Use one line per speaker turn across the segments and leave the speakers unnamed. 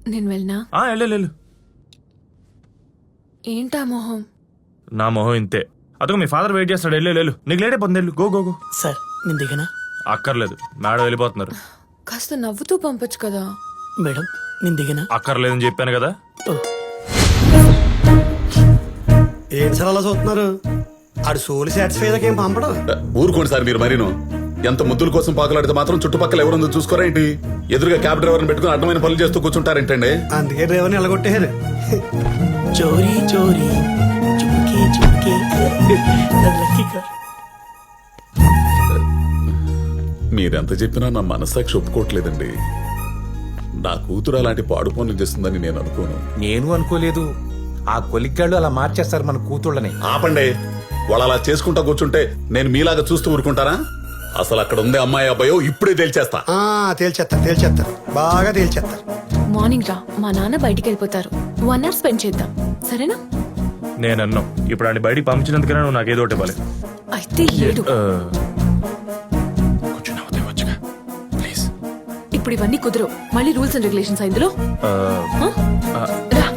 నేను వెళ్ళనా?
వెళ్ళు.
ఏంటా మొహం?
నా మొహం ఇంతే. అదొక మీ ఫాదర్ వెయిట్ చేస్తాడు. వెళ్ళు. నీకు లేట్ అయిపోతుంది. వెళ్ళు. గో.
సార్ నేను దిగనా?
అక్కర్లేదు, మేడం వెళ్ళిపోతున్నారు.
కాస్త నవ్వుతూ పంపొచ్చు కదా.
మేడం నేను దిగనా?
అక్కర్లేదని చెప్పాను కదా.
ఏంటి సార్ అలా చూస్తున్నారు? ఆడు సోలు సాటిస్ఫై ఏం పంపడం.
ఊరుకోండి సార్ మీరు మరీను. ఎంత ముద్దుల కోసం పాకులాడితే మాత్రం చుట్టుపక్కల ఎవరుందో చూసుకోరా ఏంటి? ఎదురుగా క్యాబ్ డ్రైవర్ని పెట్టుకుని అడ్డమైన పనులు చేస్తూ కూర్చుంటారేంటండి?
అందుకే డ్రైవర్ని ఎలగొట్టేశారు.
చోరీ చోరీ చుమ్కే చుమ్కే లక్కీ కార్.
మీరెంత చెప్పినా నా మనస్సాక్షి ఒప్పుకోవట్లేదండి. నా కూతురు అలాంటి పాడు పనులు చేస్తుందని నేను అనుకోను.
నేను అనుకోలేదు. ఆ కొలిగ్గాళ్ళు అలా మార్చేస్తారు మన కూతుళ్ళని.
ఆపండి. వాళ్ళు అలా చేసుకుంటా కూర్చుంటే నేను మీలాగా చూస్తూ ఊరుకుంటారా? అసలు అక్కడ ఉందే అమ్మాయి అబ్బాయో ఇప్పుడే తేల్చేస్తా.
తేల్చేస్తారు బాగా తేల్చేస్తారు.
మార్నింగ్ రా, మా నాన్న బయటికి వెళ్ళిపోతారు. 1 hour స్పెండ్ చేద్దాం, సరేనా?
నేను అన్నాం ఇప్పుడు ఆయన బయటికి పంపించినందుకైనా నువ్వు నాకు ఏదో ఒకటి ఇవ్వాలి.
అయితే ఏడు. ఇప్పుడు ఇవన్నీ కుదరవు. మళ్ళీ రూల్స్ అండ్ రెగ్యులేషన్స్ ఇందులో. రా.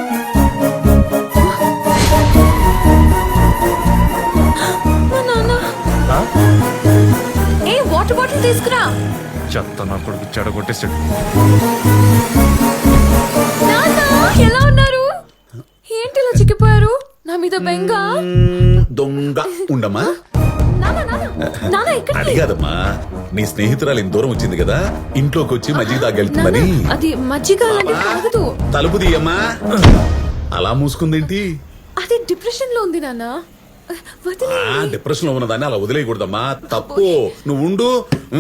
మా నాన్న. ఏ వాటర్ బాటిల్ తీసుకురా.
చెత్త నా కొడుకు చెడగొట్టేసాడు.
నాన్న ఎలా ఉన్నారు? ఏంటి ఇలా చిక్కిపోయారు? నా మీద బెంగ.
దొంగ ఉండమ్మా.
నాన్న ఎక్కడికి?
అది కాదమ్మా, నీ స్నేహితురాలు ఇంత దూరం వచ్చింది కదా, ఇంట్లోకి వచ్చి మజ్జిగ తాగెళ్తుందని.
అది మజ్జిగ అలాంటి తాగదు.
తలుపు తీయమ్మా. అలా మూసుకుందేంటి?
అది డిప్రెషన్ లో ఉంది నాన్న.
డిప్రెషన్ లో ఉన్నదాన్ని అలా వదిలేయకూడదమ్మా, తప్పు. నువ్వు ఉండు.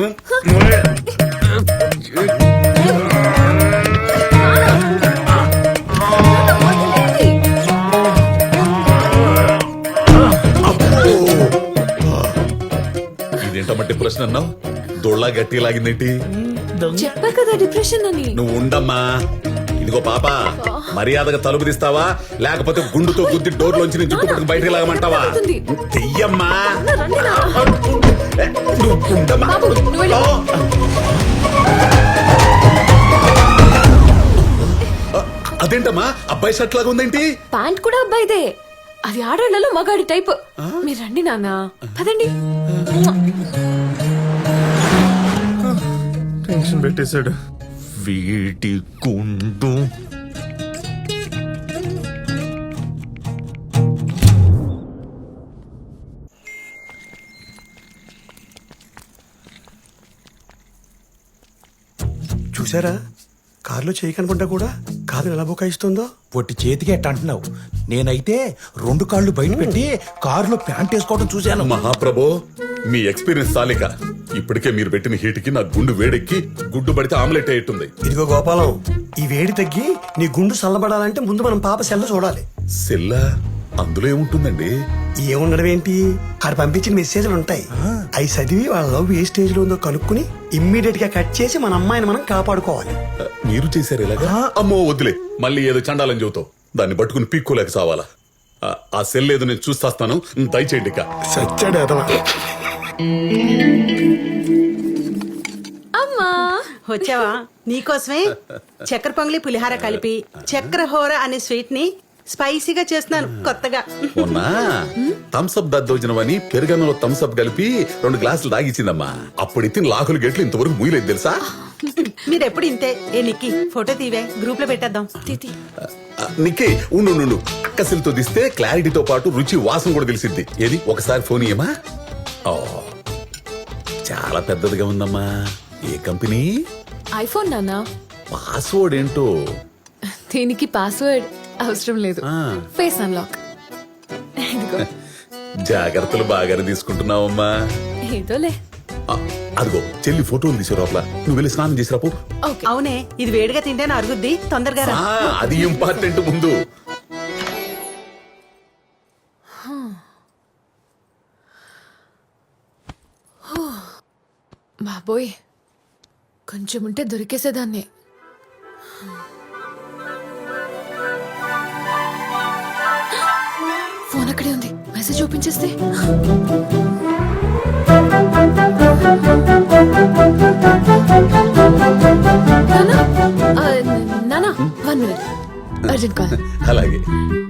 ఇదేంటమ్మా డిప్రెషన్ అన్నావు? దొళ్ళ గట్టి లాగిందేంటి?
చెప్పా కదా డిప్రెషన్ అని.
నువ్వు ఉండమ్మా. ఇదిగో పాప, మర్యాదగా తలుపు తీస్తావా లేకపోతే గుండుతో గుద్ది డోర్లోంచి నీ జుట్టు పట్టుకు బయటకు లాగమంటావా? చెయ్యమ్మా. నువ్వు ఉండమ్మా. అదేంటమ్మా అబ్బాయి షర్ట్ లాగా ఉందేంటి?
ప్యాంట్ కూడా అబ్బాయిదే. అది ఆడళ్లలో మగాడి టైప్. మీరు రండి నాన్న, పదండి.
టెన్షన్ పెట్టేశాడు వీటి గుండు.
చూసారా, కారులో చేయి కనుకుంటా కూడా కాదు ఎలా బుకాయిస్తుందో.
పొట్టి చేతికి ఎట్ట అంటున్నావు? నేనైతే 2 కాళ్ళు బయట పెట్టి కారులో ప్యాంట్ వేసుకోవడం చూశాను.
మహాప్రభో, మీ ఎక్స్పీరియన్స్ చాలిక. ఇప్పటికే మీరు పెట్టిన హీట్కి నా గుండు వేడెక్కి గుడ్డు పడితే ఆమ్లెట్ అయ్యేట్టుంది.
ఇదిగో గోపాలం, ఈ వేడి తగ్గి నీ గుండు చల్లబడాలంటే ముందు మనం పాప సెల్ల చూడాలి.
సెల్లా? అందులో ఏముంటుందండి?
ఏముండడం ఏంటి, ఆడు పంపించిన మెసేజ్లు ఉంటాయి. అవి చదివి వాళ్ళ లవ్ ఏ స్టేజ్ లో ఉందో కనుక్కుని ఇమ్మీడియట్ గా కట్ చేసి మన అమ్మాయిని మనం కాపాడుకోవాలి.
మీరు చేశారు ఇలాగా? అమ్మో వద్దులే, మళ్ళీ ఏదో చండాలని చెబుతావు. దాన్ని పట్టుకుని పీక్కోలేక సావాలా? ఆ సెల్ ఏదో నేను చూస్తాను, దయచేయండి. ఇక
సచ్చాడు అదవా.
అమ్మా
వచ్చావా? నీకోసమే చక్కెర పొంగలి పులిహార కలిపి చక్కెర హోర అనే స్వీట్ ని స్పైసీగా చేస్తున్నాను కొత్తగా.
మొన్న థమ్స్అప్ దద్దోజనమని పెరుగన్నంలో థమ్స్అప్ కలిపి 2 గ్లాసులు తాగిచ్చిందమ్మా. అప్పుడు ఇచ్చిన లాకులు గెట్లు ఇంతవరకు ముయ్యలేదు తెలుసా?
మీరెప్పుడు ఇంతే. ఏ నిక్కి ఫోటో తీవే, గ్రూప్ లో పెట్టేద్దాం.
నిక్కి ఉండు. అక్కసిలతో తీస్తే క్లారిటీతో పాటు రుచి వాసన కూడా తెలిసిద్ది. ఏది ఒకసారి ఫోన్ ఇయ్యమా? ఓ చాలా పెద్దదిగా ఉందమ్మా. ఏ కంపెనీ?
ఐఫోన్ నాన్న.
పాస్వర్డ్ ఏంటో?
దీనికి పాస్వర్డ్ అవసరం లేదు, ఫేస్ అన్లాక్.
జాగ్రత్తలు బాగానే తీసుకుంటున్నావమ్మా.
ఏదోలే.
అదిగో చెల్లి ఫోటోలు తీసే లోపల నువ్వు వెళ్ళి స్నానం చేసిరాపు.
అవునే, ఇది వేడిగా తింటేనే అరుగుద్ది, తొందరగా రా.
అది ఇంపార్టెంట్. ముందు
బాబోయ్, కొంచెం ఉంటే దొరికేసేదాన్ని. ఫోన్ అక్కడే ఉంది, మెసేజ్ ఓపెన్ చేస్తే. నానా అర్జెంట్ కాల్.
అలాగే.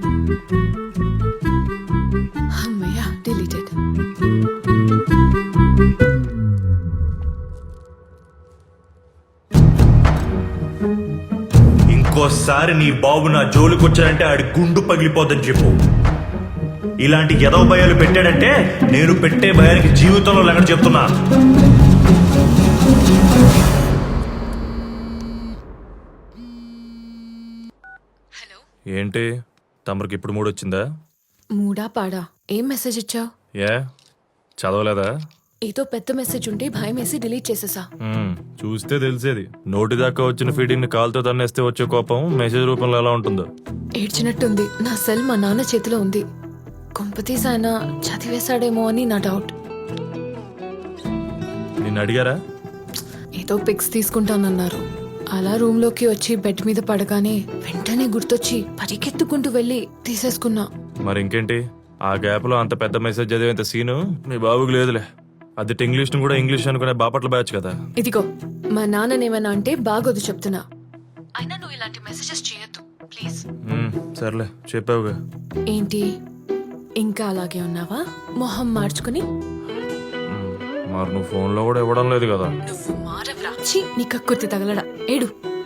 అమ్మయ్యా, డిలీటెడ్.
ఇంకోసారి నీ బాబు నా జోలికొచ్చాడంటే ఆడి గుండు పగిలిపోద్దని చెప్పు. ఇలాంటి ఎదవ భయాలు పెట్టాడంటే నేను పెట్టే భయానికి జీవితంలో లెక్క చెప్తున్నా. ఏంటి తమరికి ఇప్పుడు మూడు వచ్చిందా?
మూడా పాడా? ఏం మెసేజ్ ఇచ్చావు?
ఏ చదవలేదా?
ఏదో పెద్ద మెసేజ్ ఉంటే భయం వేసి డిలీట్ చేసేసా.
చూస్తే తెలిసేది. నోటి దాకా వచ్చిన ఫీడింగ్ ని కాలుతో తన్నేస్తే వచ్చే కోపం మెసేజ్ రూపంలో ఎలా ఉంటుందో.
ఏడ్చినట్టుంది. నా సెల్ మా నాన్న చేతిలో ఉంది. కొంపతీసి ఆయన చదివేశాడేమో అని నా డౌట్.
నిన్ను అడిగారా?
ఏదో పిక్స్ తీసుకుంటానన్నారు. అలా రూమ్ లోకి వచ్చి బెడ్ మీద పడగానే వెంటనే గుర్తొచ్చి పరిగెత్తుకుంటూ వెళ్ళి తీసేసుకున్నా.
మరి ఇంకేంటి, ఆ గ్యాప్ లో అంత పెద్ద మెసేజ్ చదివేంత సీను మీ బాబుకి లేదులే. అది ఇంగ్లీష్ ను కూడా ఇంగ్లీష్ అనుకునే బాపట్ల బ్యాచ్ కదా.
ఇదిగో మా నాన్ననేమన్నా అంటే బాగోదు చెప్తున్నా. అయినా నువ్వు ఇలాంటి మెసేజెస్ చేయొద్దు ప్లీజ్.
సర్లే చెప్పావుగా.
ఏంటి ఇంకా అలాగే ఉన్నావా? మొహం మార్చుకుని.
మరి నువ్వు ఫోన్ లో కూడా ఇవ్వడం లేదు కదా.
నువ్వు మారవరా? ఛీ, నీ కక్కుర్తి తగలడా. ఏడు.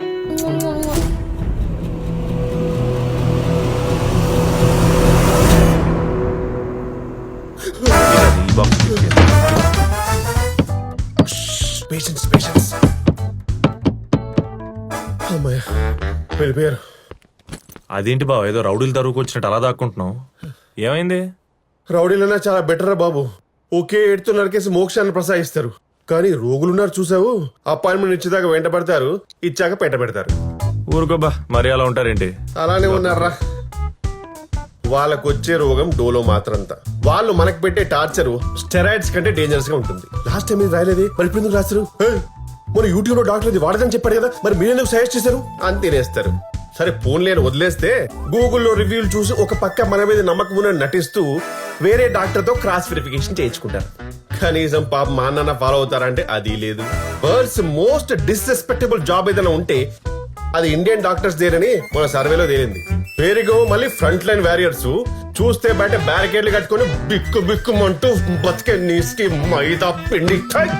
Patience patience. అమ్మాయ వెళ్ళిపోయారు.
అదేంటి బావ, ఏదో రౌడీలు తరువుకు వచ్చినట్టు అలా దాక్కుంటున్నావు? ఏమైంది?
రౌడీలన్నా చాలా బెటర్ రా బాబు. ఒకే ఏడుతో నరికేసి మోక్షాన్ని ప్రసాదిస్తారు. కానీ రోగులున్నారు చూసావు, అపాయింట్మెంట్ ఇచ్చేదాకా వెంట పడతారు, ఇచ్చాక పెట్ట పెడతారు.
ఊరుకోబా, మరి అలా ఉంటారేంటి?
అలానే ఉన్నారా. వాళ్ళకు వచ్చే రోగం డోలో మాత్రంతా. వాళ్ళు మనకు పెట్టే టార్చర్ స్టెరాయిడ్స్ కంటే డేంజరస్ గా ఉంటుంది. లాస్ట్ టైం ఇది రాయలేదే, మరి ఇప్పుడు ఎందుకు రాస్తారు? మన యూట్యూబ్ లో డాక్టర్ ఇది వాడదని చెప్పాడు కదా, మరి మీరెందుకు సజెస్ట్ చేశారు అని తినేస్తారు. సరే ఫోన్ లేని వదిలేస్తే గూగుల్లో రివ్యూలు చూసి ఒక పక్క మన మీద నమ్మకం ఉన్న నటిస్తూ వేరే డాక్టర్ తో క్రాస్ వెరిఫికేషన్ చేయించుకుంటారు. కనీసం పాప మా నాన్న ఫాలో అవుతారంటే అది లేదు. వరల్డ్స్ మోస్ట్ డిస్రెస్పెక్టబుల్ జాబ్ ఏదైనా ఉంటే అది ఇండియన్ డాక్టర్స్ దేనని మన సర్వేలో తేలింది. పేరుగో మళ్ళీ ఫ్రంట్ లైన్ వారియర్స్ చూస్తే బయట బ్యారికేడ్లు కట్టుకుని బిక్కు బిక్కుమంటూ బతికే నీస్కి మైదా పిండి.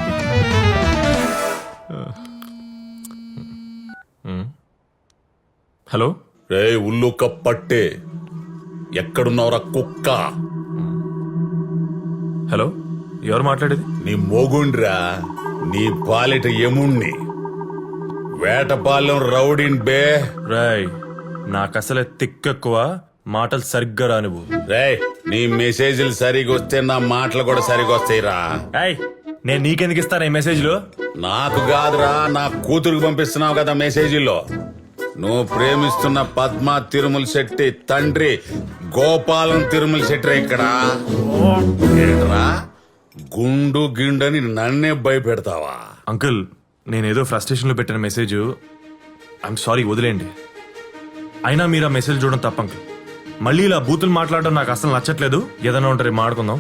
హలో
రే ఉల్లు కప్పట్టే, ఎక్కడున్నావురా కుక్క?
హలో, ఎవరు మాట్లాడేది?
నీ మొగుండ్రా, నీ పాలిట యముణ్ణి, వేటపాలెం రౌడీన్ బే.
రాయ్, నాకు అసలే తిక్కెక్కువ, మాటలు సరిగ్గా రానివ్వు.
రేయ్, నీ మెసేజ్లు సరిగా వస్తే నా మాటలు కూడా సరిగా వస్తాయిరా.
ఏయ్, నేను నీకెందుకు ఇస్తాను ఈ మెసేజ్లు?
నాకు కాదురా, నా కూతురుకు పంపిస్తున్నావు కదా మెసేజీల్లో. నువ్వు ప్రేమిస్తున్న పద్మ తిరుమల శెట్టి తండ్రి గోపాలం తిరుమల శెట్టి ఇక్కడ ఏంట్రా గుండు గిండని నన్నే భయపెడతావా?
అంకుల్, నేనేదో ఫ్రస్ట్రేషన్ లో పెట్టిన మెసేజ్. ఐఎమ్ సారీ, వదిలేండి. అయినా మీరు ఆ మెసేజ్ చూడడం తప్ప అంకుల్. మళ్ళీ ఇలా బూతులు మాట్లాడడం నాకు అసలు నచ్చట్లేదు. ఏదైనా ఉంటారు మాట్లాడుకుందాం.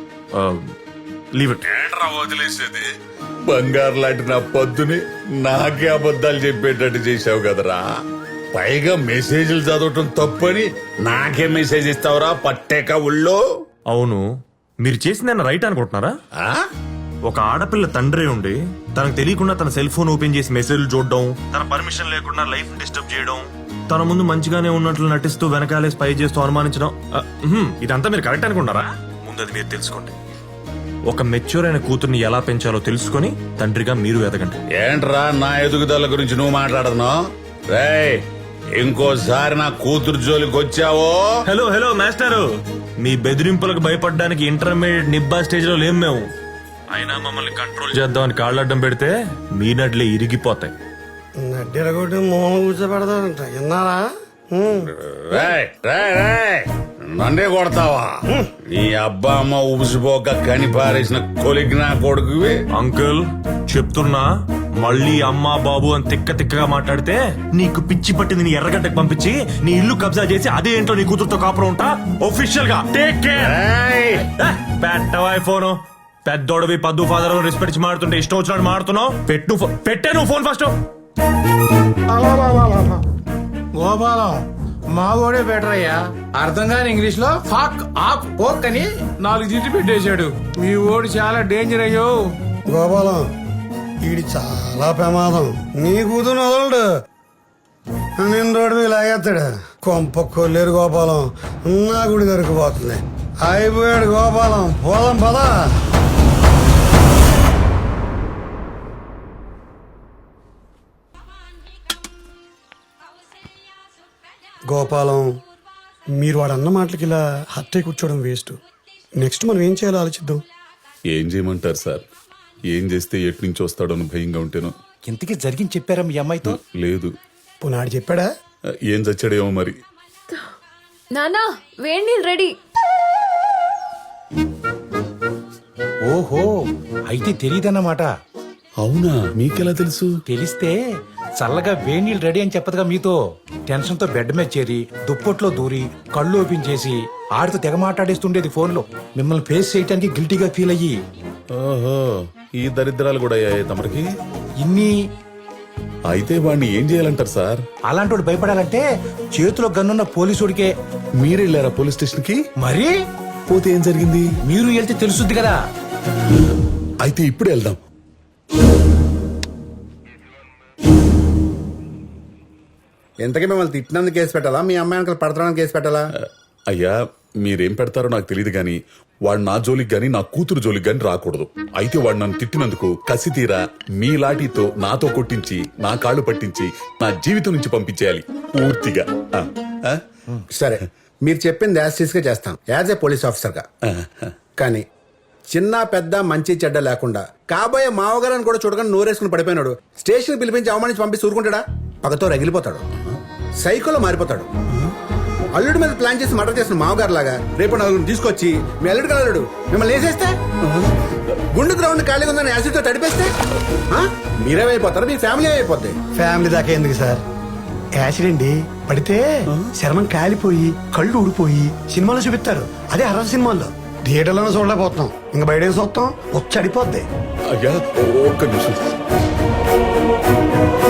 Leave it.
ఏంట్రా వదిలేసేది? బంగారు లాంటి నా పొద్దుని నాకే అబద్ధాలు చెప్పేటట్టు చేసావు కదరా. పైగా మెసేజ్లు చదవటం తప్పని నాకే మెసేజ్ ఇస్తావురా పట్టేక ఉళ్ళో.
అవును, మీరు చేసిందన్న రైట్ అనుకుంటున్నారా?
ఆ?
ఒక ఆడపిల్ల తండ్రి ఉండి తనకు తెలియకుండా తన సెల్ ఫోన్ ఓపెన్ చేసి మెసేజ్లు చూడడం, తన పర్మిషన్ లేకుండా లైఫ్ డిస్టర్బ్ చేయడం, తన ముందు మంచిగానే ఉన్నట్లు నటిస్తూ వెనకాలే స్పై చేస్తూ అనుమానించడం, ఇదంతా మీరు కరెక్ట్ అనుకుంటారా? ముందు అది మీరు తెలుసుకోండి. ఒక మెచ్యూర్ అయిన కూతుర్ని ఎలా పెంచాలో తెలుసుకొని తండ్రిగా మీరు ఎదగండి.
ఏంట్రా నా ఎదుగుదల గురించి నువ్వు మాట్లాడుతున్నావు? రేయ్, ఇంకోసారి నా కూతురు జోలికి వచ్చావో.
హలో హలో మాస్టారు, మీ బెదిరింపులకు భయపడడానికి ఇంటర్మీడియట్ నిబ్బా స్టేజ్ లో లేం మేము. అయినా మమ్మల్ని కంట్రోల్ చేద్దామని కాళ్ళడ్డం పెడితే మీ నడ్లే ఇరిగిపోతాయి.
నడ్డెరగొట్టి మూల కూర్చోబెడతాడంట, విన్నారా?
రేయ్, రేయ్, రేయ్, నన్నే కొడతావా? నీ అబ్బా అమ్మ ఉబిసిపోక కనిపారేసిన కొలిగిన కొడుకువి.
అంకుల్ చెప్తున్నా, మళ్ళీ అమ్మా బాబు అని తిక్క తిక్కగా మాట్లాడితే నీకు పిచ్చి పట్టింది నీ ఎర్రగడ్డకు పంపించి నీ ఇల్లు కబ్జా చేసి అదే ఇంట్లో నీ కూతురుతో కాపురం ఉంటా. ఒఫిషియల్ గా టేక్ కేర్. పెట్టవా ఫోను? పెద్దోడవి పద్దు ఫాదర్ రెస్పెక్ట్ ఇచ్చి మాడుతుంటే ఇష్టం వచ్చినట్టు మాడుతున్నావు. పెట్టే నువ్వు ఫోన్ ఫస్ట్.
గోపాలం,
మా వాడే బెటర్ అయ్యా. అర్థం కాని ఇంగ్లీష్ లో ఫాక్ ఆక్ ఓక్ అని 4 దిద్దు పెట్టేశాడు. మీ ఓడి చాలా డేంజర్ అయ్యో.
గోపాలం వీడి చాలా ప్రమాదం. నీ కూతురు వదలడు, నేను రోడ్డు మీద లాగేస్తాడు. కొంప కొల్లేరు గోపాలం, నా గుడి దొరికిపోతుంది. అయిపోయాడు గోపాలం, పోదాం పదా. గోపాలం, మీరు వాడు అన్న మాటలకి ఇలా హత్య కూర్చోవడం వేస్ట్. నెక్స్ట్ మనం ఏం చేయాలో ఆలోచిద్దాం.
ఏం చేయమంటారు సార్? ఏం చేస్తే ఎటు నుంచి వస్తాడో అని భయంగా ఉంటేను.
ఇంతకీ జరిగింది చెప్పారా మీ అమ్మాయితో?
లేదు.
పునాడు చెప్పాడా?
ఏం చచ్చాడేమో మరి.
నానా వేడి నీళ్ళు రెడీ.
ఓహో, అయితే తెలియదన్నమాట.
అవునా? మీకెలా తెలుసు?
తెలిస్తే చల్లగా వేడి నీళ్ళు రెడీ అని చెప్పదుగా మీతో. టెన్షన్ తో బెడ్ మీద చేరి దుప్పట్లో దూరి కళ్ళు ఓపెన్ చేసి ఆడితో తెగ మాట్లాడేస్తుండేది ఫోన్ లో. మిమ్మల్ని ఫేస్ చేయడానికి గిల్టీగా ఫీల్ అయ్యి.
ఓహో, ఈ దరిద్రాలు కూడా అయ్యాయి తమరికి.
ఇన్ని
అయితే వాడిని ఏం చేయాలంటారు సార్?
అలాంటి భయపడాలంటే చేతిలో గన్నున్న పోలీసుడికే.
మీరెళ్ళారా పోలీస్ స్టేషన్ కి?
మరి
పోతే ఏం జరిగింది?
మీరు వెళ్తే తెలుసుద్ది కదా.
అయితే ఇప్పుడు వెళ్దాం.
ఎంతకీ మిమ్మల్ని తిట్టినందుకు కేసు పెట్టాలా, మీ అమ్మాయి అంకల్ పడతానికి కేసు పెట్టాలా?
అయ్యా, మీరేం పెడతారో నాకు తెలియదు గాని వాడు నా జోలికి గాని నా కూతురు జోలికి గాని రాకూడదు. అయితే వాడు నన్ను తిట్టినందుకు కసి తీరా మీ లాఠీతో నాతో కొట్టించి నా కాళ్ళు పట్టించి నా జీవితం నుంచి పంపించేయాలి పూర్తిగా. ఆ, ఆ?
సరే, మీరు చెప్పింది యాజ్ గా చేస్తాం, యాజ్ ఏ పోలీస్ ఆఫీసర్ గా. కానీ చిన్న పెద్ద మంచి చెడ్డ లేకుండా కాబోయే మావగారని కూడా చూడకుండా నోరేసుకుని పడిపోయినాడు స్టేషన్ పిలిపించి అవమానించి పంపిస్తే ఊరుకుంటాడా? పగతో రగిలిపోతాడు, సైకోలో మారిపోతాడు. అల్లుడి మీద ప్లాన్ చేసి మర్డర్ చేసిన మావగారు లాగా రేపు నలుగురిని తీసుకొచ్చి మీ అల్లుడు కలడు మిమ్మల్ని వేసేస్తే, గుండు గ్రౌండ్ ఖాళీగా ఉందని యాసిడ్ తో తడిపేస్తే మీరేమైపోతారు, మీ ఫ్యామిలీ అయిపోద్ది.
ఫ్యామిలీ దాకా ఎందుకు సార్? యాక్సిడెంట్ పడితే శర్మం కాలిపోయి కళ్ళు ఊడిపోయి సినిమాలో చూపిస్తారు. అదే హర్రర్ సినిమాల్లో. థియేటర్లోనే చూడలేకపోతున్నాం, ఇంకా బయట చూస్తాం, వచ్చి అడిపోద్ది.
అయ్యా ఒక్క నిమిషం.